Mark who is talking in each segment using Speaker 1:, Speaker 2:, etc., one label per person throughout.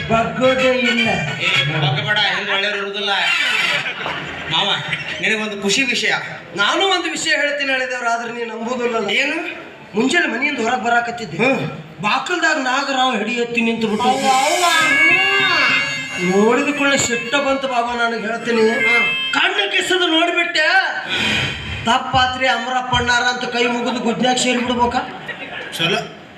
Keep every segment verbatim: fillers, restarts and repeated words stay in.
Speaker 1: ಬಗ್ಗೋದೇ ಇಲ್ಲ.
Speaker 2: ಏ ಬಗ್ಗಬೇಡ, ಹೆಂಗ್ ಒಳ್ಳೆಯವ್ರು ಇರುವುದಿಲ್ಲ. ಮಾವ ನಿನಗೊಂದು ಖುಷಿ ವಿಷಯ.
Speaker 1: ನಾನು ಒಂದು ವಿಷಯ ಹೇಳ್ತೀನಿ ಹೇಳಿದವ್ರು, ಆದ್ರೆ ನೀನು ನಂಬುದಿಲ್ಲ.
Speaker 2: ಏನು?
Speaker 1: ಮುಂಜಾನೆ ಮನೆಯಿಂದ ಹೊರಗೆ ಬರಾಕತ್ತಿದ್ದೆ, ಬಾಕಲ್ದಾಗ ನಾಗರಾವ್ ಹಿಡಿ ಎತ್ತಿ ನಿಂತು ಬಿಟ್ಟು ನೋಡಿದ ಕೂಡಲೇ ಸಿಟ್ಟ ಬಂತು ಬಾಬಾ. ನನಗೆ ಹೇಳ್ತೀನಿ, ಕಣ್ಣು ಕಿಸದು ನೋಡ್ಬಿಟ್ಟೆ, ತಪ್ಪಾತ್ರಿ ಅಮರಪ್ಪಣ್ಣಾರ ಅಂತ ಕೈ ಮುಗಿದು ಗುದ್ನ್ಯಾಗ ಸೇರಿಬಿಡ್ಬೇಕ.
Speaker 2: ಚಲೋ.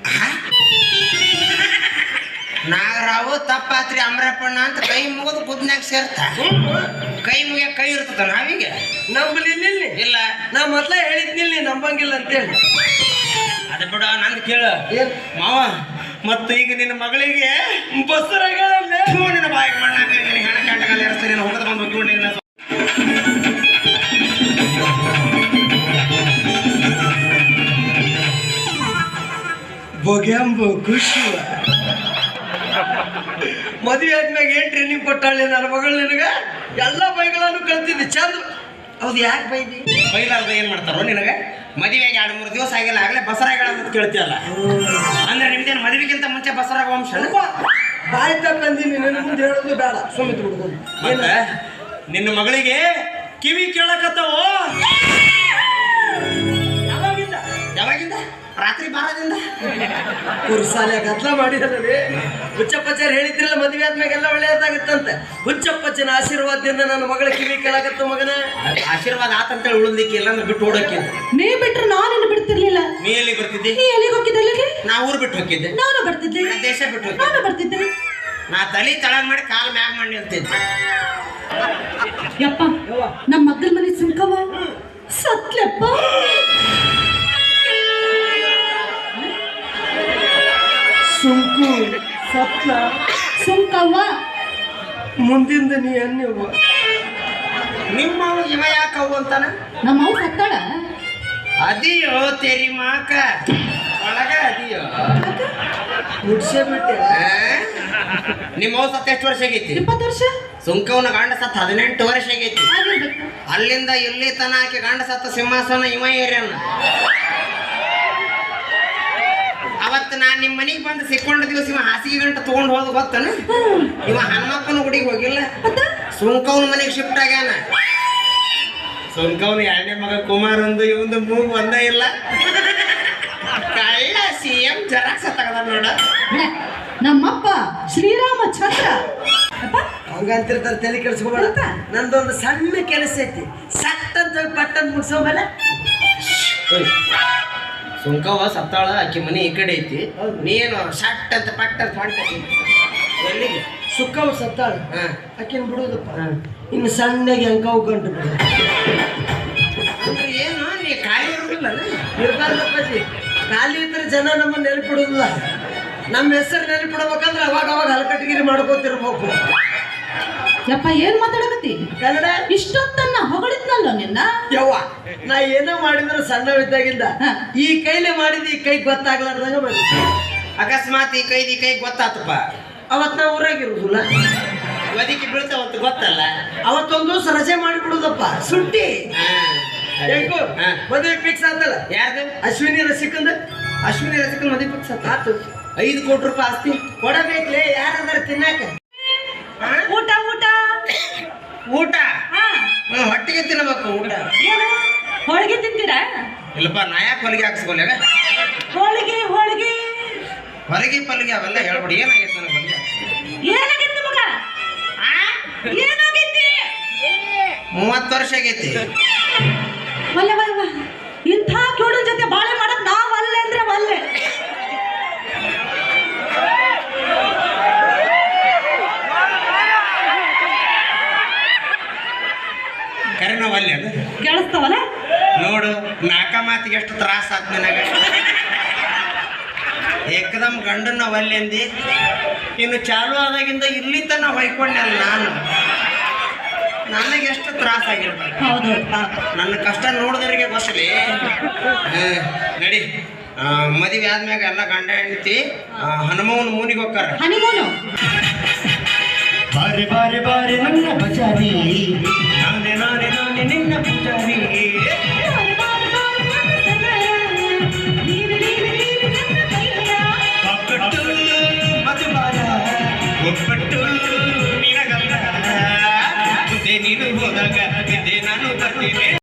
Speaker 2: ನಾಗರಾವು ತಪ್ಪಾತ್ರಿ ಅಮರಪ್ಪಣ್ಣ ಅಂತ ಕೈ ಮುಗಿದು ಗುದ್ನ್ಯಾಗ ಸೇರ್ತ. ಕೈ ಮುಗಿಯ ಕೈ ಇರ್ತದ ನಾವೀಗ
Speaker 1: ನಂಬಲಿಲ್ಲ.
Speaker 2: ಇಲ್ಲ,
Speaker 1: ನಾ ಮೊದ್ಲೇ ಹೇಳಿದ್ನಿಲ್ಲ ನೀ ನಂಬಂಗಿಲ್ಲ ಅಂತೇಳಿ.
Speaker 2: ಅದ ಬಿಡ, ನಂದು ಕೇಳ ಮಾವ. ಮತ್ತು ಈಗ ನಿನ್ನ ಮಗಳಿಗೆ
Speaker 1: ಬಸ್ಸರಾಗ
Speaker 2: ನಿನ್ನ ಬಾಯಿಗೆ ಮಣ್ಣಾಕ ಹೆಣ ಕಾಟಕಲ್ಲಿ ಎರಸ್ತಾರೆ, ನೀನು ಹೊಡೆದು ಬಂದು ಹೋಗಿ
Speaker 1: ಬೊಗ್ಯಾಂಬು ಖುಷಿ. ಮದುವೆ ಆದ್ಮ್ಯಾಗ ಏನ್ ಟ್ರೈನಿಂಗ್ ಕೊಟ್ಟಾಳೆ ನನ್ನ ಮಗಳು ನಿನಗ. ಎಲ್ಲ ಬೈಗಳನ್ನು ಕಲ್ತಿದ್ದೆ ಚಂದ. ಹೌದು, ಯಾಕೆ ಬೈದಿ?
Speaker 2: ಬೈಲಾರ್ದ ಏನ್ ಮಾಡ್ತಾರೋ ನಿನಗ? ಮದುವೆಗೆ ಎರಡು ಮೂರು ದಿವಸ ಆಗಿಲ್ಲ, ಆಗಲೇ ಬಸರಾಗಳ ಅಂತ ಕೇಳ್ತೀಯಲ್ಲ. ಅಂದ್ರೆ ನಿಮ್ದೇನು ಮದುವೆಗಿಂತ ಮುಂಚೆ ಬಸರಾಗ ವಂಶ?
Speaker 1: ಬಾಯಿ ತಕ್ಕಂದಿನಿ, ನಿನ್ನ ಮುಂದೆ ಹೇಳೋದು ಬೇಡ, ಸುಮಿತ್ ಬಿಡುದು.
Speaker 2: ಮತ್ತೆ ನಿನ್ನ ಮಗಳಿಗೆ ಕಿವಿ ಕೇಳಕತ್ತವೋ?
Speaker 1: ಯಾವಾಗಿಂದ?
Speaker 2: ಯಾವಾಗಿಂದ? ರಾತ್ರಿ ಬಾರದಿಂದ.
Speaker 1: ಕುರ್ಸಾಲೆ ಗದ್ಲ ಮಾಡಿದ್ರಲ್ಲಿ ಹುಚ್ಚಪ್ಪಚ್ಚಾರ ಹೇಳಿದ್ರಲ್ಲ, ಮದುವೆ ಆದ್ಮ್ಯಾಗೆಲ್ಲ ಒಳ್ಳೆಯದಾಗುತ್ತಂತೆ. ಹುಚ್ಚಪ್ಪಚ್ಚನ ಆಶೀರ್ವಾದದಿಂದ ನನ್ನ ಮಗಳ ಕಿವಿ ಕೇಳಾಕತ್ತ. ಮಗನ
Speaker 2: ಆಶೀರ್ವಾದ ಆತಂತೇಳಿ ಉಳಿದಿಕ್ಕೆ ಇಲ್ಲ ಅಂದ್ರೆ ಬಿಟ್ಟು ಓಡಕ್ಕೆ.
Speaker 3: ನೀ ಬಿಟ್ರೆ ನಾನು ಬಿಡ್ತಿರ್ಲಿಲ್ಲ.
Speaker 2: ನೀ ಎಲ್ಲಿ ಬರ್ತಿದ್ದಿ?
Speaker 3: ನೀ ಎಲ್ಲಿಗೆ ಹೋಗಿದ್ದೆ?
Speaker 2: ನಾ ಊರು ಬಿಟ್ಟು ಹೋಗಿದ್ದೆ.
Speaker 3: ನಾನು ಬರ್ತಿದ್ದೆ.
Speaker 2: ದೇಶ ಬಿಟ್ಟು ಹೋಗಿ
Speaker 3: ನಾನು ಬರ್ತಿದ್ದೆ.
Speaker 2: ನಾ ತಲೆ ತಳಗ್ ಮಾಡಿ ಕಾಲ್ ಮ್ಯಾಗ ಮಾಡಿ ನಿಲ್ತಿದ್ದೆ.
Speaker 3: ಯಪ್ಪ, ನಮ್ಮ ಮಗ್ಗಲ ಮನೆ ಸುಂಕವ ಸತ್ಲೆಪ್ಪ.
Speaker 1: ಸುಂಕು ಸತ್ಲ
Speaker 3: ಸುಂಕವ್ವ
Speaker 1: ಮುಂದಿಂದ ನೀ ಅನ್ನಿವ.
Speaker 2: ನಿಮ್ಮ ಇವ ಯಾಕವು ಅಂತಾನ?
Speaker 3: ನಮ್ಮ ಅವ್ ಸತ್ತಾಳ.
Speaker 2: ಅದಿಯೋ ತೆರಿ ಮಾಕ ಒಳಗ ಅದಿಯೋ
Speaker 1: ಮುಡ್ಸೇ ಬಿಟ್ಟೆ.
Speaker 2: ನಿಮ್ಮ ಅವ್ ಸತ್ತ ಎಷ್ಟು ವರ್ಷ ಆಗೈತಿ?
Speaker 3: ಇಪ್ಪತ್ತು ವರ್ಷ.
Speaker 2: ಸುಂಕವನ ಗಂಡ ಸತ್ತ ಹದಿನೆಂಟು ವರ್ಷ ಆಗೈತಿ.
Speaker 3: ಆಗಿರ್ಬೇಕು.
Speaker 2: ಅಲ್ಲಿಂದ ಇಲ್ಲಿ ತನ ಆಕೆ ಗಂಡ ಸತ್ತ ಸಿಂಹಾಸನ ಇವ ಏರ್ಯಾನ. ಅವತ್ತು ನಾನ್ ನಿಮ್ ಮನಿಗ್ ಬಂದು ಸಿಕ್ಕೊಂಡ ದಿವಸ ಇವ ಹಾಸಿಗೆ ಗಂಟ ತಗೊಂಡ್ ಹೋದ ಗೊತ್ತನ? ಇವ ಹನುಮಪ್ಪನ ಗುಡಿಗೆ ಹೋಗಿಲ್ಲ, ಸುಂಕವನ ಮನೆಗೆ ಶಿಫ್ಟ್ ಆಗ್ಯಾನ. ಸುಂಕವನ ಎರಡನೇ ಮಗ ಕುಮಾರ್ ಒಂದು, ಇವಂದು ಮೂಗು ಒಂದ ಇಲ್ಲ. ಕಳ್ಳ ಸಿ ಎಂ ಜರಾಕ್ಸ ತಗದ ನೋಡ.
Speaker 3: ನಮ್ಮಪ್ಪ ಶ್ರೀರಾಮಚಂದ್ರ.
Speaker 1: ಹಂಗಂತಿರ್ತಾರೆ, ತಲೆ ಕೆಡಿಸ್ಕೊಬೇಡ. ನಂದೊಂದು ಸಣ್ಣ ಕೆಲಸ ಐತಿ, ಸಟ್ ಅಂತ ಪಟ್ಟಂತ ಮುಗಿಸೋಮೇಲೆ.
Speaker 2: ಸುಂಕವ ಸತ್ತಾಳ, ಆಕಿ ಮನೆ ಈ ಕಡೆ ಐತಿ. ನೀನು ಶಟ್ ಅಂತ ಪಟ್ಟ ಅಂತ ಹೊಂಟತಿ. ಎಲ್ಲಿಗೆ?
Speaker 1: ಸುಕ್ಕವ್ ಸತ್ತಾಳ,
Speaker 2: ಹಾಂ
Speaker 1: ಆಕಿನ ಬಿಡುದಪ್ಪ. ಇನ್ನು ಸಣ್ಣಗೆ ಅಂಕವು ಗಂಟು ಬಿಡು.
Speaker 2: ಅಂದ್ರೆ ಏನು, ನೀ ಖಾಲಿ ಇರೋದಿಲ್ಲ?
Speaker 1: ಇರ್ಬಾರ್ದಪ್ಪಾಜಿ, ಖಾಲಿ ಇದ್ರೆ ಜನ ನಮ್ಮನ್ನ ನೆನಪಿಡುದಿಲ್ಲ. ನಮ್ಮ ಹೆಸರು ನೆನಪಿಡ್ಬೇಕಂದ್ರೆ ಅವಾಗ ಅವಾಗ ಹಲಕಟ್ಟಿಗಿರಿ ಮಾಡ್ಕೋತಿರ್ಬೇಕು.
Speaker 3: ಯಪ್ಪ, ಏನ್ ಮಾತಾಡಕತ್ತಿ?
Speaker 1: ಕನ್ನಡ
Speaker 3: ಇಷ್ಟೊತ್ತನ್ನ ಹೊಗಳಿದ್ನಲ್ಲ ನಿನ್ನ.
Speaker 1: ಯವ್ವ, ನಾ ಏನೋ ಮಾಡಿದ್ರು ಸಣ್ಣವಿದ್ದಾಗಿಂದ ಈ ಕೈಲೇ ಮಾಡಿದ, ಈ ಕೈ ಗೊತ್ತಾಗ್ಲಾರ್ದಾಗ ಮಾಡಿ.
Speaker 2: ಅಕಸ್ಮಾತ್ ಈ ಕೈದು ಈ ಕೈ ಗೊತ್ತಾತಪ್ಪ,
Speaker 1: ಅವತ್ ನಾ ಊರಾಗಿರುದಿಲ್ಲ,
Speaker 2: ಒದಕಿ ಬೀಳ್ತಾವಂತ ಗೊತ್ತಲ್ಲ.
Speaker 1: ಅವತ್ತೊಂದು ದಿವಸ ರಜೆ ಮಾಡಿಬಿಡುದಪ್ಪ, ಸುಟ್ಟಿ. ಯಾಕೋ ಮದುವೆ ಫಿಕ್ಸ್ ಆತಲ್ಲ.
Speaker 2: ಯಾರ್ದು?
Speaker 1: ಅಶ್ವಿನಿ ರಸಿಕಂದ.
Speaker 2: ಅಶ್ವಿನಿ ರಸಿಕನ್ ಮದುವೆ ಫಿಕ್ಸ್ ಆತ.
Speaker 1: ಆತು.
Speaker 2: ಐದು ಕೋಟಿ ರೂಪಾಯಿ ಆಸ್ತಿ
Speaker 1: ಕೊಡಬೇಕ್ಲೇ, ಯಾರದಾರ ತಿನ್ನಾಕ.
Speaker 3: ಊಟ ಊಟ
Speaker 2: ಊಟ ಹೊಟ್ಟಿಗೆ ತಿನ್ನಬೇಕು. ಊಟ
Speaker 3: ಏನು ಹೋಳಿಗೆ ತಿಂತೀರಾ?
Speaker 2: ಇಲ್ಲಪ್ಪ, ನಾ ಯಾಕೆ ಹೊಲಿಗೆ ಹಾಕ್ಸ್ಕೊಲ್ಯಾಗ?
Speaker 3: ಹೋಳಿಗೆ ಹೋಳಿಗೆ
Speaker 2: ಹೊರಗೆ ಪಲ್ಗೆ ಅವೆಲ್ಲ ಹೇಳ್ಬಿಡಿ. ಏನಾಗೈತೆ ನನಗೆ ಹೊಲಿಗೆ
Speaker 3: ಏನಾಗಿತ್ತು ಮಗ? ಏನಾಗೈತಿ?
Speaker 2: ಮೂವತ್ತು ವರ್ಷ ಆಗೈತಿ.
Speaker 3: ಒಲ್ಲೆ ಒಲ್ವ, ಇಂಥ ಕೇಳೋ ಜೊತೆ ಬಾಳೆ ಮಾಡಕ್ ನಾವ್ ಅಲ್ಲೆ ಅಂದ್ರೆ ಒಲ್ಲೆ.
Speaker 2: ಕರೆ ನಾವು ಅಲ್ಲಿ ಅದು
Speaker 3: ಕೇಳಿಸ್ತಾವಲ್ಲ
Speaker 2: ನೋಡು. ನಾಲ್ಕ ಮಾತಿಗೆ ಎಷ್ಟು ತ್ರಾಸ ಆತ್ ನನಗೆ. ಏಕದಮ್ ಗಂಡನ ಒಲ್ಲೆ ಅಂದಿ, ಇನ್ನು ಚಾಲು ಆದಾಗಿಂದ ಇಲ್ಲಿ ತನ ಹೊಯ್ಕೊಂಡಲ್ಲ ನಾನು. ನನಗೆ ಎಷ್ಟು ತ್ರಾಸ ಆಗಿರ್ಬೇಕು.
Speaker 3: ಹೌದು,
Speaker 2: ನನ್ನ ಕಷ್ಟ ನೋಡಿದವರಿಗೆ ಗೊತ್ತಲಿ. ನಡಿ, ಮದುವೆ ಆದ್ಮ್ಯಾಗ ಎಲ್ಲ ಗಂಡ ಹೆಂಡತಿ ಹನುಮವನ ಮೂನಿಗೆ ಹೋಗ್ತಾರ.
Speaker 3: ಹನಿಮೂನು
Speaker 1: ಬಾರಿ ಬಾರಿ ಬಾರಿ ನನ್ನ ಬಜಾರಿ, ನಾನೇ ನಾನೇ ನಾನೇ ನಿನ್ನ ಪೂಜಾರಿ. ಮಧುಬಾರ
Speaker 4: ಒಬ್ಬಟ್ಟು ನಿನಗಲ್ಲ ಮುಂದೆ ನೀನು ಹೋದಾಗ ಬಿದ್ದೆ ನಾನು ಬರ್ತೀನಿ